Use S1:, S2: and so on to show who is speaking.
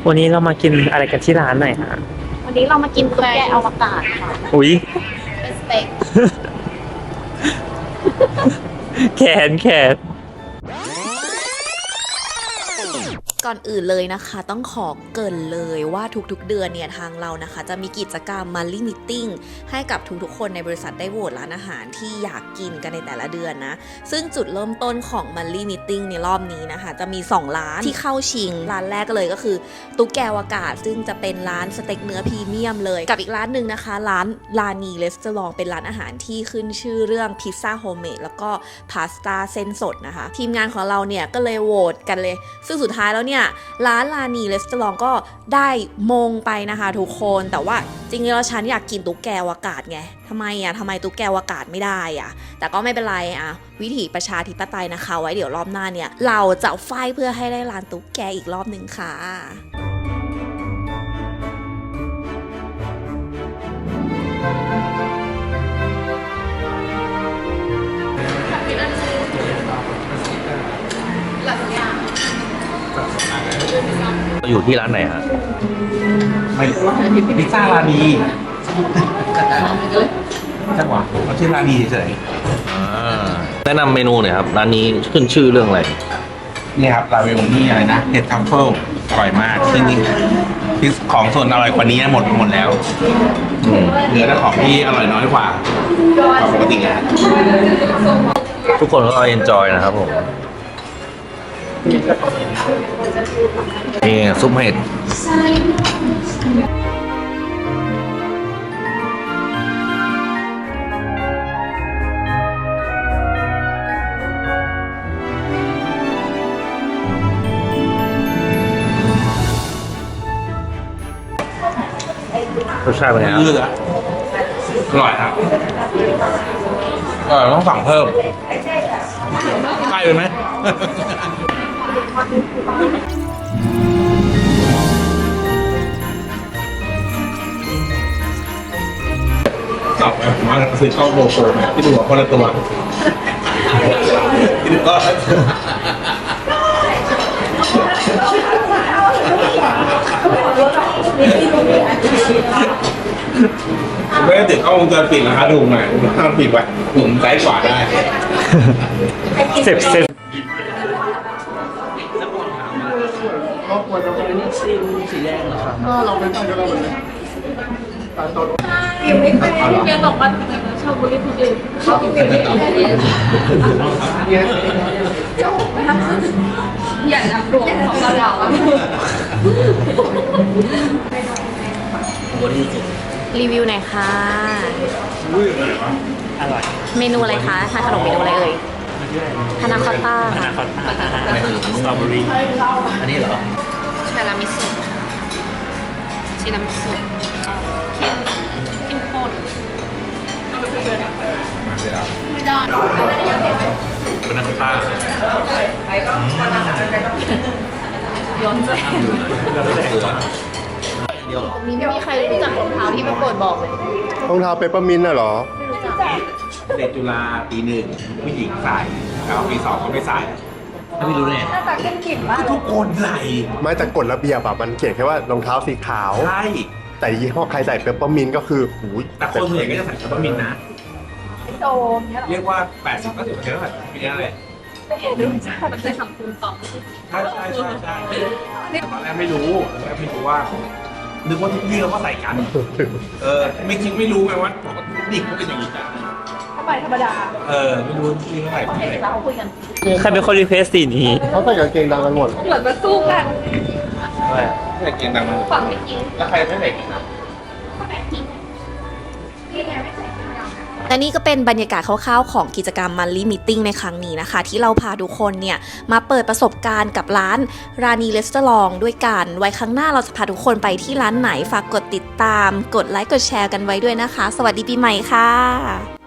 S1: วันนี้เรามากินอะไรกันที่ร้านหน่อยฮะ
S2: วันนี้เรามากินตุ๊กแกอวกาศค่ะ
S1: อุ๊ย
S2: เป็นสเต็ก
S1: แขน
S3: ก่อนอื่นเลยนะคะต้องขอเกริ่นเลยว่าทุกๆเดือนเนี่ยทางเรานะคะจะมีกิจกรรม Monthly Meeting ให้กับทุกๆคนในบริษัทได้โหวตร้านอาหารที่อยากกินกันในแต่ละเดือนนะซึ่งจุดเริ่มต้นของ Monthly Meeting ในรอบนี้นะคะจะมี2ร้านที่เข้าชิงร้านแรกเลยก็คือตุ๊กแกอวกาศซึ่งจะเป็นร้านสเต็กเนื้อพรีเมียมเลยกับอีกร้านหนึ่งนะคะร้านลานีรีสอร์ทเป็นร้านอาหารที่ขึ้นชื่อเรื่องพิซซ่าโฮมเมดแล้วก็พาสต้าเส้นสดนะคะทีมงานของเราเนี่ยก็เลยโหวตกันเลยซึ่งสุดท้ายแล้วเนี่ยร้านลานีรีสอร์ทก็ได้มงไปนะคะทุกคนแต่ว่าจริงๆแล้วฉันอยากกินตุ๊กแกอวกาศไงทำไมตุ๊กแกอวกาศไม่ได้อะแต่ก็ไม่เป็นไรอะวิถีประชาธิปไตยนะคะไว้เดี๋ยวรอบหน้าเนี่ยเราจะไฟเพื่อให้ได้ร้านตุ๊กแกอีกรอบหนึ่งค่ะ
S4: อยู่ที่ร้านไหนฮะ
S5: ไม่พิซซ่าร้านดีจังหวะเขาชื่อร้านดีเฉย
S4: แนะนำเมนูหน่อยครับร้านนี้ขึ้นชื่อเรื่องอะไร
S5: ๆนี่ครับราเวลนี่อะไรนะเห็ดทัฟเฟิลอร่อยมากจริงๆที่ของส่วนอร่อยกว่านี้หมดแล้วเหลือแต่ของที่อร่อยน้อยกว่าปกตินะ
S4: ทุกคนก็เอนจอยนะครับผมนี่ซุปเห็ดรสชาติเป็นไงครับ
S5: อร่อยครับต้องสั่งเพิ่มใกล้ไปไหมจับแบบมาซื้อข้าวโบโฟมที่ดูว่าคนละตัวที่ดูก็ไม่ได้ติดกล้องวงจรปิดนะคะถูกไหมถ้าปิดไว้ผมซ้ายขวาได้
S1: เสร็จ
S2: เราเป็นต้องเราเลยยังไม่เคยเรียนบอกว่าทำไมชอบบุรีคนอื่นชอบกินเอยากรับรวมของเรารีวิวหน่อยค่ะ
S1: อร่อย
S3: เมนูอะไรคะทานขนมเมนูอะไรเอ่ยพานาคอตต้า
S1: สตรอเบอรี่
S4: อันนี้เหรอ
S2: ชาลามิสุชิรามิสุเข้มข้นไม่ได้
S5: เป็นนักฆ่า
S2: ย้อนใจมีไม่มีใครรู้จักรองเท้าที่ประกวดบอกเลย
S6: รองเท้าเปปเปอร์มินต์น่ะเหรอ
S5: เด็กจุฬาปีหนึ่งผู้หญิงใส่แล้วปีสองก็ไม่ใส่
S4: ถ้าไม่รู้เนี่ย
S2: หน้าตาเข้มขิดมาก
S5: ทุกคนใส่
S6: ไม่แต่กฎระเบียบอะมันเขียนแค่ว่ารองเท้าสีขาว
S5: ใช่
S6: แต่ยี่ห้อใครใส่เปปเปอร์มินต์ก็คือหูย
S5: แต่คนส่วนใหญ่ก็จะใส่เปปเปอร์มินต์นะ
S2: โจม
S5: เรียกว่า 80-90%ก็ใส่ปีนี้เลย
S2: มันจะทำคูณสอง
S5: ใช่ตอนแรกไม่รู้ว่านึกว่าทุกที่เราก็ใส่กันไม่รู้ไงว่าปกติเด็กเขาเป็นอย่างนี้จ้ะ
S2: ถ้าไปธรรมดา
S5: ไม่รู้ที่เท่าไหร่
S2: เราคุยกัน
S1: ใครเป็นคนรีเควสสีนี้
S6: เขาใส่กางเกงดำกันหมด
S2: เหมือนมาสู้กัน
S5: ใส่เกงดำ
S2: ฝั่งไม่กิน
S5: แล้วใครไม่ใส่เกงดำ
S3: และนี่ก็เป็นบรรยากาศคร่าวๆของกิจกรรม Monthly Meeting ในครั้งนี้นะคะที่เราพาทุกคนเนี่ยมาเปิดประสบการณ์กับร้านรานีรีสอร์ทด้วยกันไว้ครั้งหน้าเราจะพาทุกคนไปที่ร้านไหนฝากกดติดตามกดไลค์กดแชร์กันไว้ด้วยนะคะสวัสดีปีใหม่ค่ะ